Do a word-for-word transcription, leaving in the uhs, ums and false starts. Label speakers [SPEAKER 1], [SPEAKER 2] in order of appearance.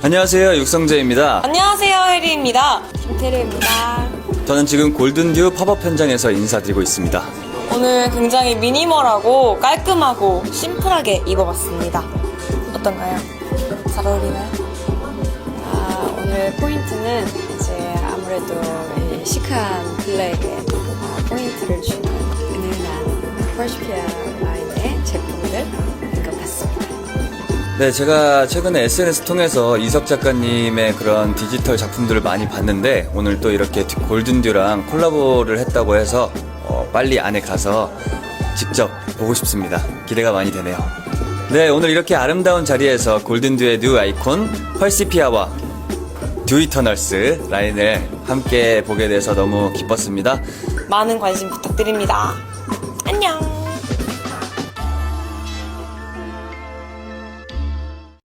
[SPEAKER 1] 안녕하세요, 육성재입니다.
[SPEAKER 2] 안녕하세요, 혜리입니다. 김태리입니다.
[SPEAKER 1] 저는 지금 골든듀 팝업 현장에서 인사드리고 있습니다.
[SPEAKER 2] 오늘 굉장히 미니멀하고 깔끔하고 심플하게 입어봤습니다. 어떤가요? 잘 어울리나요? 아, 오늘 포인트는 이제 아무래도 이 시크한 블랙에 아, 포인트를 주는 은은한 퍼시피아 라인의 제품들 것 같습니다.
[SPEAKER 1] 네, 제가 최근에 에스엔에스 통해서 이석 작가님의 그런 디지털 작품들을 많이 봤는데 오늘 또 이렇게 골든듀랑 콜라보를 했다고 해서 어, 빨리 안에 가서 직접 보고 싶습니다. 기대가 많이 되네요. 네, 오늘 이렇게 아름다운 자리에서 골든듀의 뉴 아이콘 퍼시피아와 듀이터널스 라인을 함께 보게 돼서 너무 기뻤습니다.
[SPEAKER 2] 많은 관심 부탁드립니다. 안녕!